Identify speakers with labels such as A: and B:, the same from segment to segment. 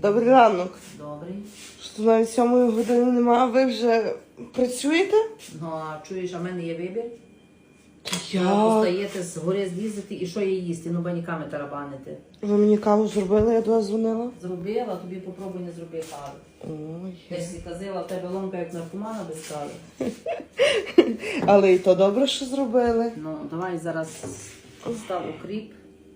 A: Добрий ранок.
B: Добрий.
A: Що навіть 7 години немає, ви вже працюєте?
B: Ну, а чуєш, а в мене є вибір?
A: Я...
B: Постаєте згори злізати і що є їсти? Ну, баніками тарабанити.
A: Ви мені каву зробили, я до вас дзвонила?
B: Зробила, тобі попробуй не зроби кави.
A: Ой.
B: Десь казала, в тебе ломка як наркомана без кави.
A: Але і то добре, що зробили.
B: Ну, давай зараз став укріп.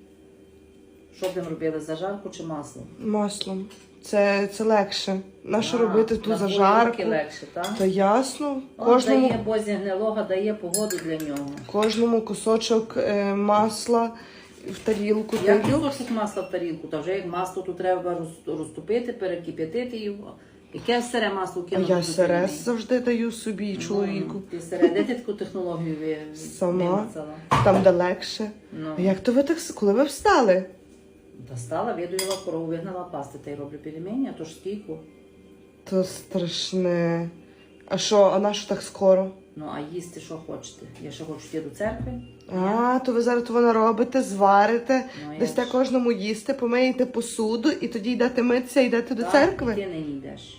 B: Що б робили, зажарку чи масло?
A: Маслом. Це легше. Нащо робити ту зажарку?
B: Легше, так?
A: Та ясно.
B: Кожному... Дає бозі гнилога, дає погоду для нього.
A: Кожному кусочок масла в тарілку.
B: Як кусочок масла в тарілку? Та вже як масло, то треба розтопити, перекип'ятити його. Яке сире масло
A: А
B: кинути?
A: я сире завжди даю собі і чоловіку.
B: Ти сире, де ти таку технологію
A: Сама.
B: вимацала?
A: Там де легше.
B: Ну.
A: А як то ви так, коли ви встали?
B: Достала, видуїла корову, вигнала пасти та й роблю пельмені, а то ж стійку.
A: То страшне. А що, а на що так скоро?
B: Ну, а їсти що хочете? Я ще хочу йти до церкви.
A: А, то ви зараз того наробите, зварите,
B: Ну,
A: дасте
B: я ж-
A: кожному їсти, помиєте посуду і тоді йдете митися, йдете до церкви?
B: Ти не йдеш.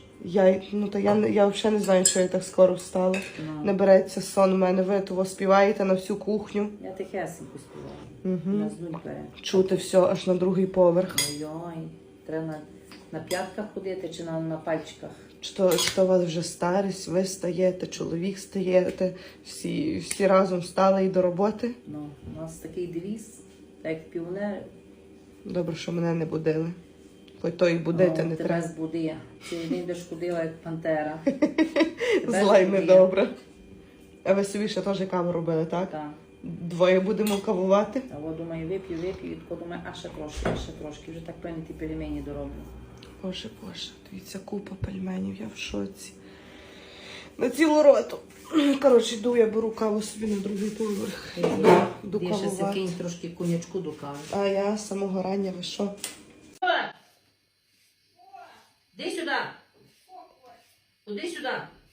A: Я взагалі не знаю, що я так скоро встала.
B: Ну.
A: Не береться сон у мене, ви того співаєте на всю кухню.
B: Я тихесенько співаю.
A: Угу.
B: На здунь бере.
A: Чути все аж на другий поверх.
B: Ой-ой, треба на п'ятках ходити чи на пальчиках.
A: Що у вас вже старість, ви стаєте, чоловік стаєте, всі разом стали і до роботи.
B: Ну, у нас такий девіз, так як піонери.
A: Добре, що мене не будили. Хоч то і будити не
B: тебе
A: треба.
B: збуди. Цілий день будеш ходила, як пантера.
A: Зла й недобре. А ви собі ще теж каву робили, так?
B: Так.
A: Двоє будемо кавувати.
B: А от думаю, вип'ю, і тако думаю, а ще трошки. Вже так певні ті пельмені дороблю.
A: Боже, дивіться, купа пельменів, я в шоці. На цілу роту. Коротше, йду, я беру каву собі на другий поверх. Йду
B: Ти ще
A: кавувати.
B: закинь трошки конячку до кави.
A: А я з самого рання, ви що?
B: Іди сюди. Іди сюди.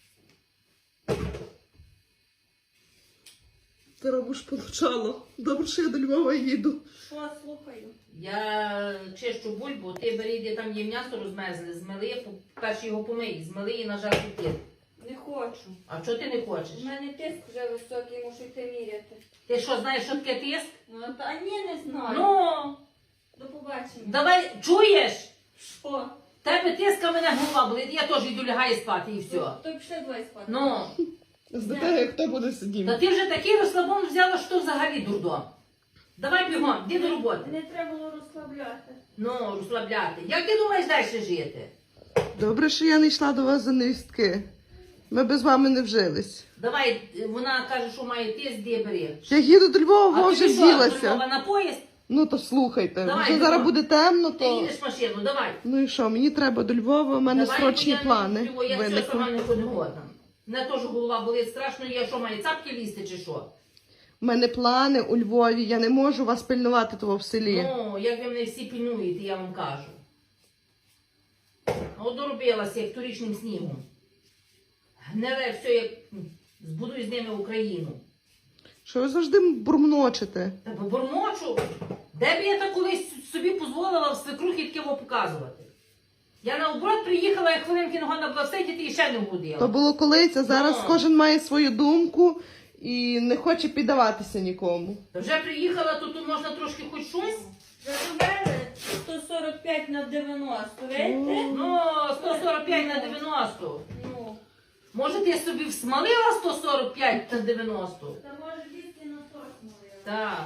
A: Ти робиш получало. Добре, що я до Львова їду.
C: Що, слухаю?
B: Я чищу бульбу, ти бери, де там є м'ясо розмезли, змили, перше його помий, змили і нажарти тиск.
C: Не хочу.
B: А чого ти не хочеш?
C: У мене тиск вже високий, мушу йти міряти.
B: Ти що, знаєш, що таке тиск?
C: Ну, та ні, не знаю.
B: Ну,
C: До побачення.
B: давай, чуєш?
C: Що?
B: Тебе тиска, мене голова болить, я теж йду лягаю спати і все.
C: То пішли двоє спати.
B: Ну,
A: З тебе хто буде сидіти?
B: та ти вже такий розслабон взяла, що взагалі дурдом. Давай бігом, йди до роботи.
C: Не треба було розслабляти.
B: Ну, розслабляти. Як ти думаєш далі жити?
A: Добре, що я не йшла до вас за невістки. Ми без вами не вжились.
B: Давай, вона каже, що має тиск, де бери.
A: Я їду до Львова,
B: А
A: вже
B: тобі що, до
A: вділася.
B: Львова на поїзд?
A: Ну то слухайте,
B: Давай,
A: вже
B: давай.
A: зараз буде темно,
B: Ти
A: то...
B: їдеш машину, давай.
A: Ну і що, мені треба до Львова, у мене
B: Давай,
A: срочні
B: бо я
A: плани
B: не люблю, я все
A: виникли.
B: сама не годна. Мене теж голова болить страшно, я що, маю цапки лізти чи що?
A: У мене плани у Львові, я не можу вас пильнувати того в селі.
B: Ну, як ви мене всі пільнуєте, я вам кажу. От доробилася, як торічним снігом. Гниле все, як збудуй з ними Україну.
A: Що ви завжди бурмночите?
B: Та бормочу. Де б я так колись собі дозволила в свекрухи таке показувати? Я наоборот приїхала, як хвилинки не годна була всидіти і ще не вгодила.
A: То було колись, а зараз
B: Ну.
A: кожен має свою думку і не хоче піддаватися нікому.
B: Та вже приїхала, то тут можна трошки хоч щось.
C: Зробили 145 на 90, видите?
B: Ну, 145 на 90.
C: Ну,
B: Може, ти собі всмалила 145 на 90?
C: та може 200 на 100 смолила.
B: Так.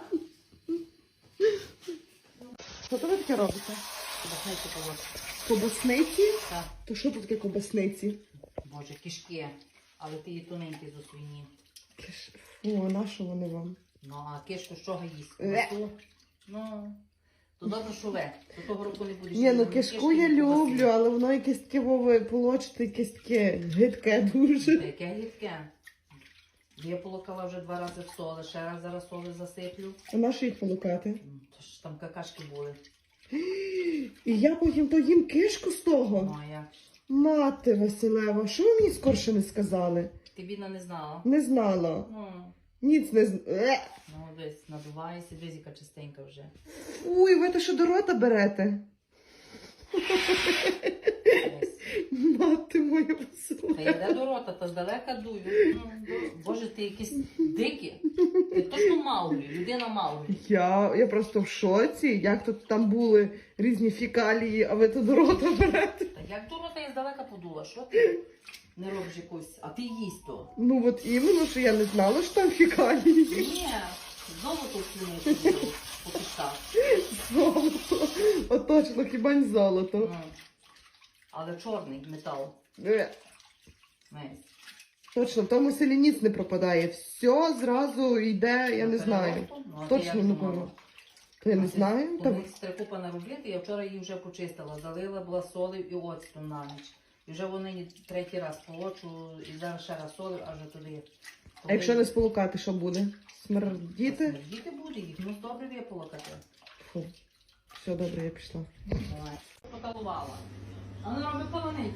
A: Що то ви таке робите? Кобасниці?
B: Так.
A: То що тут таке кобасниці?
B: Боже, кишки. Але ти її тоненькі зо свині.
A: Фу, а на що вони вам?
B: Ну, а кишку з чого їсти?
A: Ле.
B: Ну, то добре, що ве. До того року не будеш.
A: Ні, ну
B: їсти
A: кишку
B: ні
A: я
B: кишки, ні ковбаси.
A: люблю, але воно якесь таке вове полочте, якесь таке гидке дуже.
B: Яке гідке. Я полокала вже 2 рази в соли, ще раз зараз соли засиплю.
A: А на що їх полукати?
B: То ж там какашки були.
A: І я потім то їм кишку з того.
B: Ну, а як?
A: Мати Василева, що ви мені скорше не сказали?
B: Ти, бідна, не знала?
A: Не знала.
B: Ну,
A: Ніц не знала.
B: ну десь надувається, десь яка чистенька вже.
A: Ой, ви те що до рота берете? Мати моя
B: Та
A: весела.
B: йде до рота, та здалека дую. Боже, ти якийсь дикий. Ти точно Мауглі, людина Мауглі.
A: Я просто в шоці, як тут там були різні фікалії, а ви тут до рота берете.
B: Та як до рота я здалека подула, що ти не робиш якусь, а ти їсть то.
A: Ну от іменно, що я не знала, що там фікалії.
B: Ні, знову тут слюни по кишках.
A: Золото. От точно, хіба не золото.
B: Ну. Але чорний метал. Месь.
A: Точно, в тому селі ніц не пропадає. Все зразу йде, я не знаю.
B: Ну, а ти
A: Точно
B: як
A: не
B: думала?
A: пам'ятаю. То я не знаю.
B: У
A: Та...
B: них стрекупа наробити, я вчора її вже почистила, залила, була солив і оцтом на ніч. І вже вони третій раз полочу, і зараз ще раз солив, аж туди.
A: А якщо не сполукати, що буде? Смердіти?
B: Діти буде, їх ну добре виполокати.
A: Фу. Все добре, я пішла.
B: Давай. Поталувала. А вона робить полониць.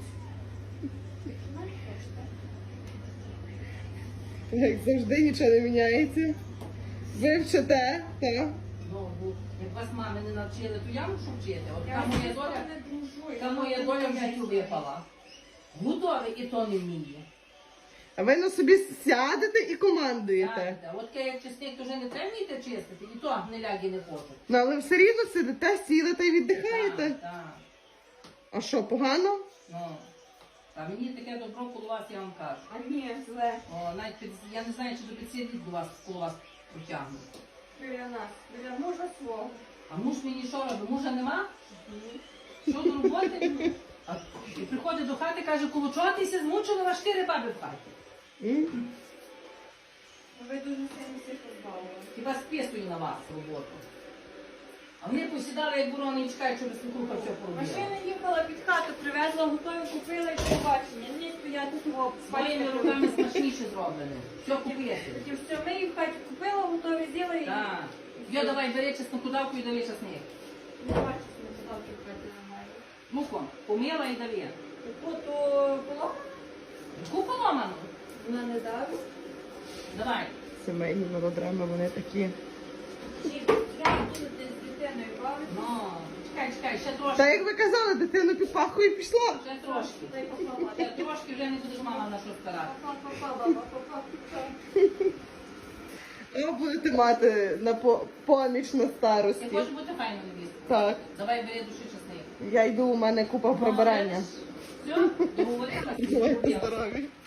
A: Як завжди нічого не міняється. Ви вчите, так?
B: Ну, як вас мами не навчили, то я мушу вчити. От
C: Я
B: та моя
C: не
B: доля,
C: дружу.
B: та моя доля в життю випала. Готові і то не вміє.
A: А ви на собі сядете і командуєте.
B: Так, от як чесник, то вже не треба вміти чистити, і то не ляги не хочуть.
A: Ну, але все рівно сидите, сідете і віддихаєте.
B: Так, так.
A: А що, погано?
B: Ну, а мені таке добро коло вас, я вам кажу.
C: А ні, зле.
B: О, навіть я не знаю, чи до підсидіть до вас коло вас протягнуть.
C: Біля нас. Біля мужа свого.
B: А муж мені що робить? Мужа нема? Що до роботи? А, і приходить до хати, каже, коло чого ти ся змучили, на 4 баби в хаті.
A: М?
C: Ви дуже сильно всіх позбавили.
B: Хіба списую на вас роботу. А вони посідали, як ворони, і чекають, щоб свекруха все поробила.
C: Машина їхала під хату, привезла, готові купила і побачення. Ні, стояти того.
B: Своїми руками смачніше зроблено. Все купити.
C: Потім все, ми її в хаті купила, готові з'їли і...
B: Так. Йо, давай, бери чесноку давку і дали чесник.
C: Не бачу, що ми ставки в хаті немає.
B: Ну-ка, помила і дали.
C: Таку то поломку
B: Яку поломану?
C: вона не давить.
B: Давай.
A: Сімейні мелодрами, вони такі.
C: Чи треба будете з дитиною бавити?
B: Ну, чекай, ще трошки.
A: Та як ви казали, дитину під пахою і пішла.
B: Ще трошки.
C: Дай попробувати.
B: Ще трошки вже не будеш мама на що старати.
A: А будете мати на поміч на
B: Ти
A: старості.
B: хочеш бути файною невісткою?
A: Так.
B: Давай бери душі чесник.
A: Я йду, у мене купа прибирання.
B: Все, договорилась?
A: Бувайте здорові.